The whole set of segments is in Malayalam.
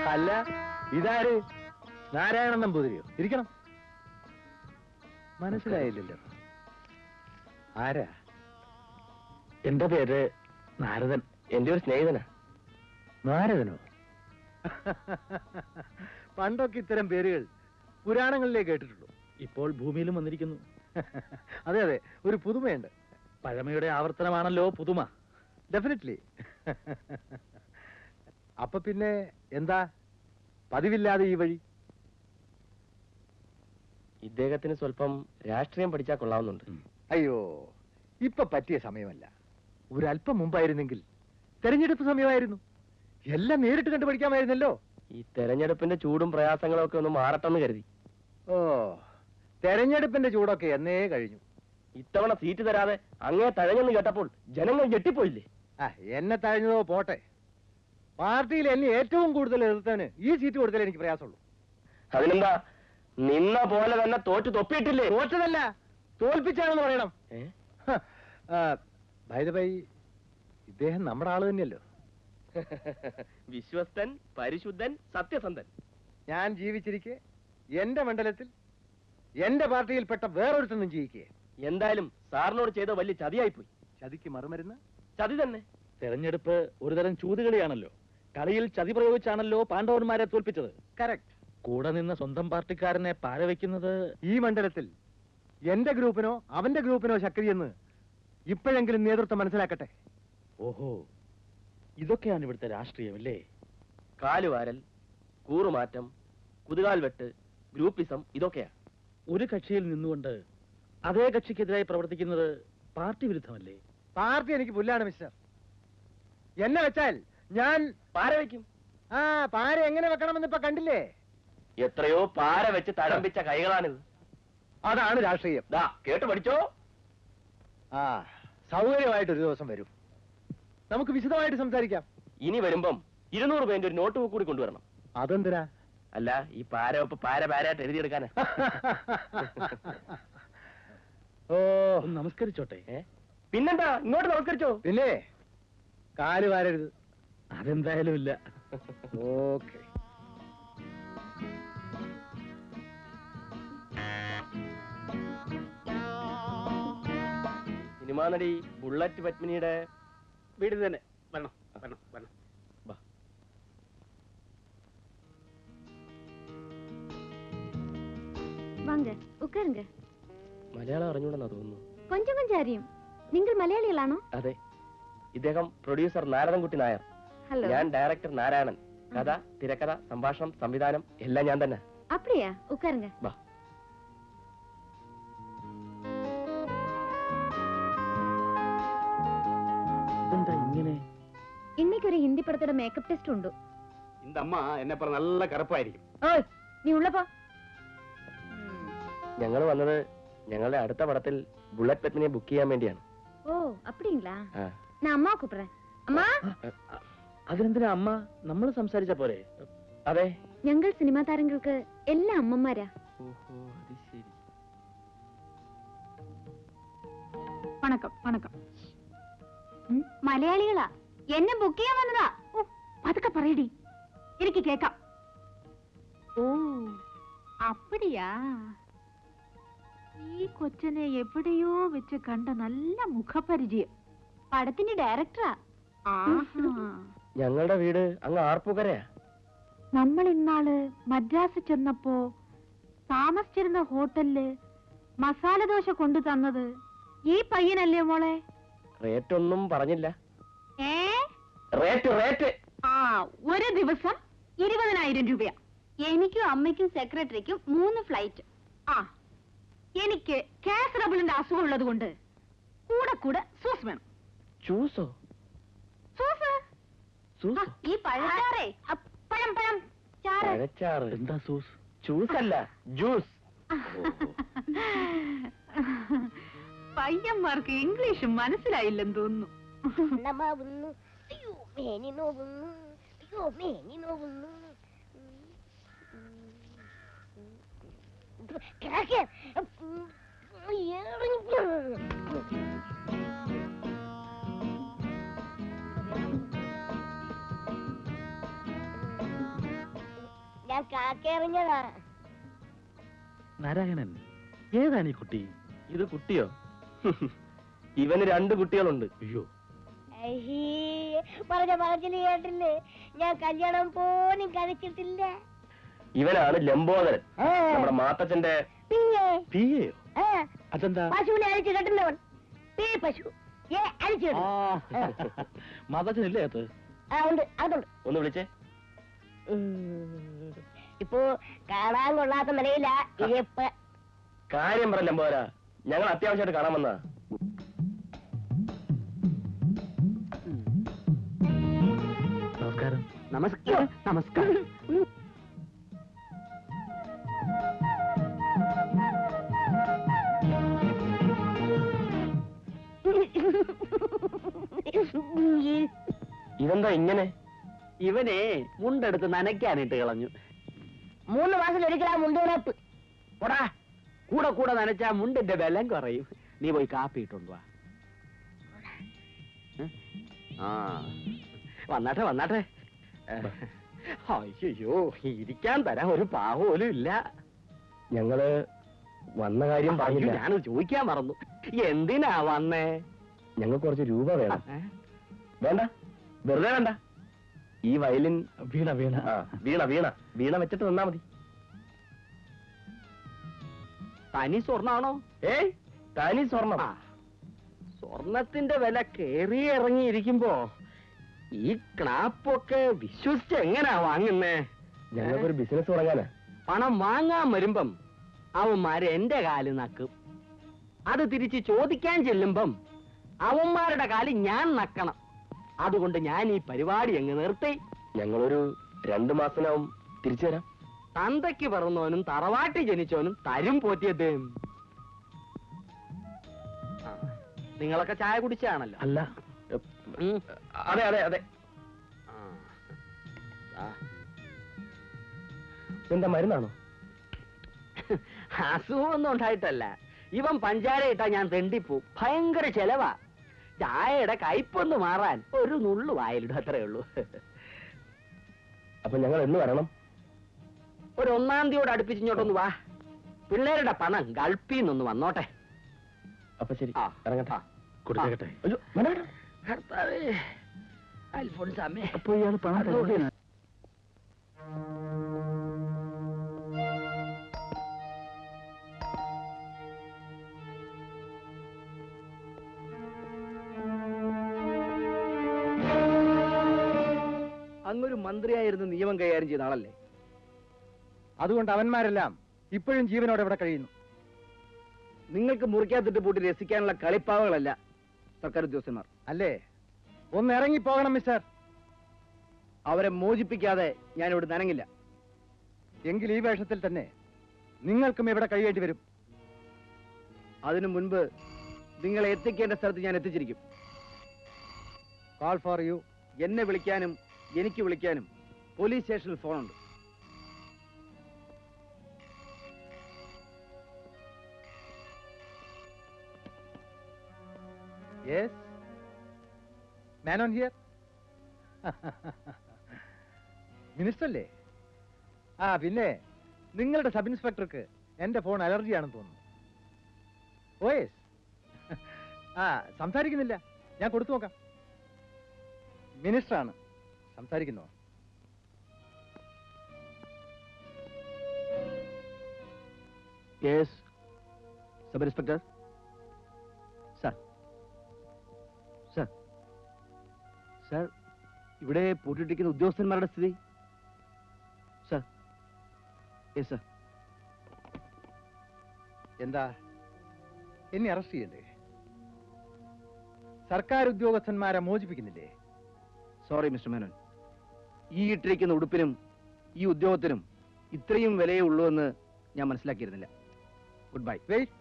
അല്ല, ഇതാര്? നാരായണൻ നമ്പൂതിരിയോ? ഇരിക്കണം. മനസ്സിലായില്ലല്ലോ. ആരാ? എന്റെ പേര് നാരദൻ. എന്റെ ഒരു സ്നേഹിതനാ. നാരദനോ? പണ്ടൊക്കെ ഇത്തരം പേരുകൾ പുരാണങ്ങളിലേ കേട്ടിട്ടുള്ളൂ. ഇപ്പോൾ ഭൂമിയിലും വന്നിരിക്കുന്നു. അതെ അതെ, ഒരു പുതുമയുണ്ട്. പഴമയുടെ ആവർത്തനമാണല്ലോ പുതുമ. ഡെഫിനറ്റ്ലി. അപ്പൊ പിന്നെ എന്താ പതിവില്ലാതെ ഈ വഴി? ഇദ്ദേഹത്തിന് സ്വല്പം രാഷ്ട്രീയം പഠിച്ചാൽ കൊള്ളാവുന്നുണ്ട്. അയ്യോ, ഇപ്പൊ പറ്റിയ സമയമല്ല. ഒരല്പം മുമ്പായിരുന്നെങ്കിൽ തെരഞ്ഞെടുപ്പ് സമയമായിരുന്നു. എല്ലാം നേരിട്ട് കണ്ടു പഠിക്കാമായിരുന്നല്ലോ. ഈ തെരഞ്ഞെടുപ്പിന്റെ ചൂടും പ്രയാസങ്ങളും ഒക്കെ ഒന്ന് മാറട്ടെന്ന് കരുതി. ഓ, തെരഞ്ഞെടുപ്പിന്റെ ചൂടൊക്കെ എന്നേ കഴിഞ്ഞു. ഇത്തവണ സീറ്റ് തരാതെ അങ്ങേ തഴഞ്ഞെന്ന് കേട്ടപ്പോൾ ജനങ്ങൾ ഞെട്ടിപ്പോയില്ലേ? എന്നെ തഴഞ്ഞതോ പോട്ടെ, പാർട്ടിയിൽ എന്നെ ഏറ്റവും കൂടുതൽ എതിർത്തവന് ഈ സീറ്റ് കൊടുത്താലേ എനിക്ക് പ്രയാസമുള്ളൂ. അതിനെന്താ, നിന്ന പോലെ തന്നെ തോറ്റു തൊപ്പിയിട്ടില്ലേ? തോറ്റതല്ല, തോൽപ്പിച്ചാണെന്ന് പറയണം. ബൈ ദ ബൈ, ഇദ്ദേഹം നമ്മുടെ ആള് തന്നെയല്ലോ. വിശ്വസ്തൻ, പരിശുദ്ധൻ, സത്യസന്ധൻ. ഞാൻ ജീവിച്ചിരിക്കെ എന്റെ മണ്ഡലത്തിൽ എന്റെ പാർട്ടിയിൽപ്പെട്ട വേറൊരുത്തൊന്നും ജീവിക്കേ. എന്തായാലും സാറിനോട് ചെയ്ത വലിയ ചതിയായിപ്പോയി. ചതിക്ക് മറുമരുന്ന് ചതി തന്നെ. തെരഞ്ഞെടുപ്പ് ഒരുതരം ചൂതുകളിയാണല്ലോ. കളിയിൽ ചതി പ്രയോഗിച്ചാണല്ലോ പാണ്ഡവന്മാരെ തോൽപ്പിച്ചത്. കറക്റ്റ്. കൂടെ നിന്ന് സ്വന്തം പാർട്ടിക്കാരനെ പാരവയ്ക്കുന്നത് ഈ മണ്ഡലത്തിൽ എന്റെ ഗ്രൂപ്പിനോ അവന്റെ ഗ്രൂപ്പിനോ ശക്തിയെന്ന് ഇപ്പോഴെങ്കിലും നേതൃത്വം മനസ്സിലാക്കട്ടെ. ഓഹോ, ഇതൊക്കെയാണ് ഇവിടുത്തെ രാഷ്ട്രീയം അല്ലേ? കാലുവാരൽ, കൂറുമാറ്റം, കുതുകാൽ വെട്ട്, ഗ്രൂപ്പിസം, ഇതൊക്കെയാ. ഒരു കക്ഷിയിൽ നിന്നുകൊണ്ട് അതേ കക്ഷിക്കെതിരായി പ്രവർത്തിക്കുന്നത് പാർട്ടി വിരുദ്ധമല്ലേ? പാർട്ടി എനിക്ക് പുല്ലാണ് മിസ്റ്റർ. എന്നെ വെച്ചാൽ ഞാൻ പാര വയ്ക്കും. പാര എങ്ങനെ വെക്കണമെന്ന് ഇപ്പൊ കണ്ടില്ലേ? എത്രയോ പാര വെച്ച് തഴമ്പിച്ച കൈകളാണിത്. അതാണ് രാഷ്ട്രീയം. കേട്ട് പഠിച്ചോ. സൗകര്യമായിട്ട് ഒരു ദിവസം വരും, നമുക്ക് വിശദമായിട്ട് സംസാരിക്കാം. ഇനി വരുമ്പം 200 പേന്റെ ഒരു നോട്ട് ബുക്ക് കൂടി കൊണ്ടുവരണം. അതെന്തിനാ? അല്ല, ഈ പാര ഒപ്പ് പാരായിട്ട് എഴുതിയെടുക്കാനാ. ഓ, നമസ്കരിച്ചോട്ടെ. പിന്നെന്താ, ഇങ്ങോട്ട് നമസ്കരിച്ചോ. പിന്നെ കാല് വാരരുത്. അതെന്തായാലും ഇല്ല. ഓക്കെ. സിനിമാ നടി ബുള്ളറ്റ് പത്മിനിയുടെ വീട് തന്നെ. വരണം വരണം വരണം. வாங்க உட்காருங்க. മലയാളം അറിഞ്ഞൂടെന്നാ തോന്നുന്നു. கொஞ்சம் கொஞ்சம் அறியும். നിങ്ങൾ മലയാളികളാണോ? അതെ. ഇദ്ദേഹം പ്രൊഡ്യൂസർ നാരദൻകുട്ടി നായർ. ഹലോ. ഞാൻ ഡയറക്ടർ നാരായണൻ. കഥ, തിരക്കഥ, സംഭാഷണം, സംവിധാനം എല്ലാം ഞാൻ തന്നെ. அப்படியா? உட்காருங்க. വാ. ഇതെന്താ ഇങ്ങനെ? இன்னைக்கு ஒரு ஹிந்தி படத்தோட மேக்கப் டெஸ்ட் உண்டு. இந்த அம்மா என்ன പറ നല്ല കറുപ്പായിരിക്കും. ഓയ്, നീ ഉള്ള പോ. ഞങ്ങൾ വന്നത് ഞങ്ങളുടെ അടുത്ത പടത്തിൽ ബുള്ളറ്റ് പത്മിനിയെ ബുക്ക് ചെയ്യാൻ വേണ്ടിയാണ്. ഓ, அப்படிங்களா? நான் அம்மா கூப்பிடுறேன். அம்மா. അതിനെന്തിനാ അമ്മ? നമ്മൾ സംസാരിച്ച പോരെ? അതെ, ഞങ്ങൾ സിനിമാ താരങ്ങൾക്ക് എല്ലാ അമ്മമാരാ. ഓഹോ, അത് ശരി. വണക്കം വണക്കം. മലയാളികളാ, എന്നെ ബുക്ക് ചെയ്യാൻ വന്നതാ. ഓ, അതൊക്കെ പറയടി, എനിക്ക് കേക്കാം. ഓ, അപ്പടിയാ. ഈ കൊച്ചനെ എവിടെയോ വെച്ച് കണ്ട നല്ല മുഖപരിചയം. പടത്തിന്റെ ഡയറക്ടറാ. ഞങ്ങളുടെ വീട് അങ്ങ് ആർപ്പുകരയാ. നമ്മൾ ഇന്നാള് മദ്രാസ് ചെന്നപ്പോ താമസിച്ചിരുന്ന ഹോട്ടലില് മസാല ദോശ കൊണ്ടു തന്നത് ഈ പയ്യനല്ലേ മോളെ? റേറ്റ് ഒന്നും പറഞ്ഞില്ല. റേറ്റ് ഒരു ദിവസം 20,000 രൂപയാ. എനിക്കും അമ്മയ്ക്കും സെക്രട്ടറിക്കും 3 ഫ്ലൈറ്റ്. എനിക്ക് കാസറബിളിന്റെ അസുഖം ഉള്ളത് കൊണ്ട് കൂടെ കൂടെ സൂസ് വേണം. ജ്യൂസോ? ഈ പഴച്ചാറേ, പഴം പഴം പഴച്ചാറ്. എന്താ സൂസ്? ജ്യൂസ് അല്ല, ജ്യൂസ്. പയ്യന്മാർക്ക് ഇംഗ്ലീഷ് മനസ്സിലായില്ലെന്ന് തോന്നുന്നു. ഞാൻ കാക്കയെറിഞ്ഞതാ. നാരായണൻ, ഏതാണ് ഈ കുട്ടി? ഇത് കുട്ടിയോ? ഇവന് 2 കുട്ടികളുണ്ട്. അയ്യോ, പറഞ്ഞ പറച്ചില് കേട്ടില്ലേ? ഞാൻ കല്യാണം പോലും കഴിച്ചിട്ടില്ല. ഇവനാണ് ലംബോദരൻ, നമ്മുടെ മാത്തച്ഛന്റെ പിന്നെ പിയെയോ? അതെന്താ? പശുവിനെ അഴിച്ചു കെട്ടുന്നവൻ. പീ പശു അഴിച്ചു മാതാച്ചനില്ലേ അത്? ഉണ്ട്, അതുണ്ട്. ഒന്ന് വിളിച്ചേ. ഇപ്പോ കാണാൻ കൊള്ളാത്ത നിലയില ഇരിപ്പ്. കാര്യം പറ ലംബോദര, ഞങ്ങൾ അത്യാവശ്യമായിട്ട് കാണാൻ വന്നാ. നമസ്കാരം. നമസ്കാരം. നമസ്കാരം. ഇതെന്താ ഇങ്ങനെ? ഇവനെ മുണ്ടെടുത്ത് നനയ്ക്കാനിട്ട് കളഞ്ഞു. 3 മാസത്തിൽ ഒരിക്കലാ മുണ്ടുകിടപ്പ്. പോടാ, കൂടെ കൂടെ നനച്ചാ മുണ്ടിന്റെ ബലം കുറയും. നീ പോയി കാപ്പി ഇട്ടോണ്ട് വാ. ആ, വന്നാട്ടെ വന്നാട്ടെ. അയ്യോ, ഇരിക്കാൻ തരാൻ ഒരു പാവോലും ഇല്ല. ഞങ്ങള് വന്ന കാര്യം പറഞ്ഞില്ല. ഞാൻ ചോദിക്കാൻ മറന്നു. എന്തിനാ വന്നേ? ഞങ്ങൾക്ക് കുറച്ച് രൂപ വേണം. വേണ്ട, വെറുതെ വേണ്ട. ഈ വയലിൻ വീണ വീണ ആ, വീണ വീണ വീണ വെച്ചിട്ട് തന്നാ മതി. തനി സ്വർണ്ണാണോ? ഏയ്, തനി സ്വർണം. ആ, സ്വർണത്തിന്റെ വില കേറി ഇറങ്ങിയിരിക്കുമ്പോ ഈ ക്ലാപ്പൊക്കെ വിശ്വസിച്ച് എങ്ങനാ വാങ്ങുന്നേ? ഞങ്ങൾക്കൊരു ബിസിനസ് തുടങ്ങാനാ. പണം വാങ്ങാൻ വരുമ്പം അവന്മാര് എന്റെ കാല് നക്കും. അത് തിരിച്ച് ചോദിക്കാൻ ചെല്ലുമ്പം അവന്മാരുടെ കാല് ഞാൻ നക്കണം. അതുകൊണ്ട് ഞാൻ ഈ പരിപാടി അങ്ങ് നിർത്തി. ഞങ്ങളൊരു 2 മാസത്തിനാവും തിരിച്ചു തരാം. തന്തയ്ക്ക് പിറന്നവനും തറവാട്ടി ജനിച്ചവനും തരും പോറ്റിയത്. നിങ്ങളൊക്കെ ചായ കുടിച്ചാണല്ലോ? അല്ല. അതെ അതെ അതെ. എന്താ, മരുന്നാണോ? അസുഖമൊന്നും ഉണ്ടായിട്ടല്ല. ഇവൻ പഞ്ചാര ഇട്ടാ ഞാൻ തെണ്ടിപ്പോവും. ഭയങ്കര ചെലവാ. ചായയുടെ കയ്പൊന്ന് മാറാൻ ഒരു നുള്ളു വായിലിടും, അത്രേ ഉള്ളൂ. അപ്പൊ ഞങ്ങൾ എന്ന് വരണം? ഒരു 1-ാം തീയോട് അടുപ്പിച്ചിങ്ങോട്ടൊന്ന് വാ. പിള്ളേരുടെ പണം ഗൾഫീന്നൊന്ന് വന്നോട്ടെ. അപ്പൊ ശരി, ആ, ഇറങ്ങട്ടെ. കൊടുത്തേക്കട്ടെ. അയ്യോ, വേണ്ട, വേണ്ട. കർത്താവേ, അൽഫോൻസാമേ. അപ്പൊ ഇയാൾ പണം തരുമോ? അങ്ങൊരു മന്ത്രിയായിരുന്നു നിയമം കൈകാര്യം ചെയ്ത ആളല്ലേ? അതുകൊണ്ട് അവന്മാരെല്ലാം ഇപ്പോഴും ജീവനോടെ ഇവിടെ കഴിയുന്നു. നിങ്ങൾക്ക് മുറിക്കാത്തിട്ട് പൂട്ടി രസിക്കാനുള്ള കളിപ്പാവകളല്ല സർക്കാർ ഉദ്യോഗസ്ഥന്മാർ, അല്ലേ? ഒന്ന് ഇറങ്ങിപ്പോകണം മിസ്റ്റർ. അവരെ മോചിപ്പിക്കാതെ ഞാൻ ഇവിടെ നനങ്ങില്ല. എങ്കിൽ ഈ വേഷത്തിൽ തന്നെ നിങ്ങൾക്കും ഇവിടെ കഴിയേണ്ടി വരും. അതിനു മുൻപ് നിങ്ങളെ എത്തിക്കേണ്ട സ്ഥലത്ത് ഞാൻ എത്തിച്ചിരിക്കും. Call for you. എന്നെ വിളിക്കാനും എനിക്ക് വിളിക്കാനും പോലീസ് സ്റ്റേഷനിൽ ഫോണുണ്ട്. Yes, man on here. Minister അല്ലേ? ആ, പിന്നെ നിങ്ങളുടെ സബ് ഇൻസ്പെക്ടർക്ക് എന്റെ ഫോൺ അലർജിയാണെന്ന് തോന്നുന്നു. Oh yes. ആ, സംസാരിക്കുന്നില്ല, ഞാൻ കൊടുത്തു നോക്കാം. മിനിസ്റ്ററാണ്, സംസാരിക്കുന്നോ? Yes, sub inspector. Sir, sir, sir, ഇവിടെ പൂട്ടിട്ടിരിക്കുന്ന ഉദ്യോഗസ്ഥന്മാരുടെ സ്ഥിതി. Sir, yes sir. എന്താ, എന്നെ അറസ്റ്റ് ചെയ്യണ്ടേ? സർക്കാർ ഉദ്യോഗസ്ഥന്മാരെ മോചിപ്പിക്കുന്നില്ലേ? സോറി മിസ്റ്റർ മേനോൻ, ഈ ഇട്ടിരിക്കുന്ന ഉടുപ്പിനും ഈ ഉദ്യോഗത്തിനും ഇത്രയും വിലയേ ഉള്ളൂ എന്ന് ഞാൻ മനസ്സിലാക്കിയിരുന്നില്ല. Good bye. വെയിറ്റ്.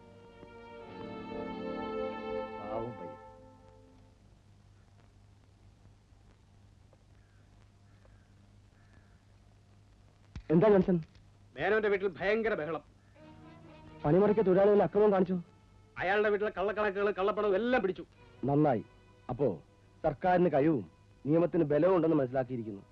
പാവം പയ്യൻ. എന്താ ജോൺസൺ? മേനോന്റെ വീട്ടിൽ ഭയങ്കര ബഹളം. പണിമുറയ്ക്ക് തൊഴിലാളികൾ അക്രമം കാണിച്ചു. അയാളുടെ വീട്ടിലെ കള്ളക്കണക്കുകൾ കള്ളപ്പണവും എല്ലാം പിടിച്ചു. നന്നായി. അപ്പോ സർക്കാരിന് കഴിവും നിയമത്തിന് ബലവും ഉണ്ടെന്ന് മനസ്സിലാക്കിയിരിക്കുന്നു.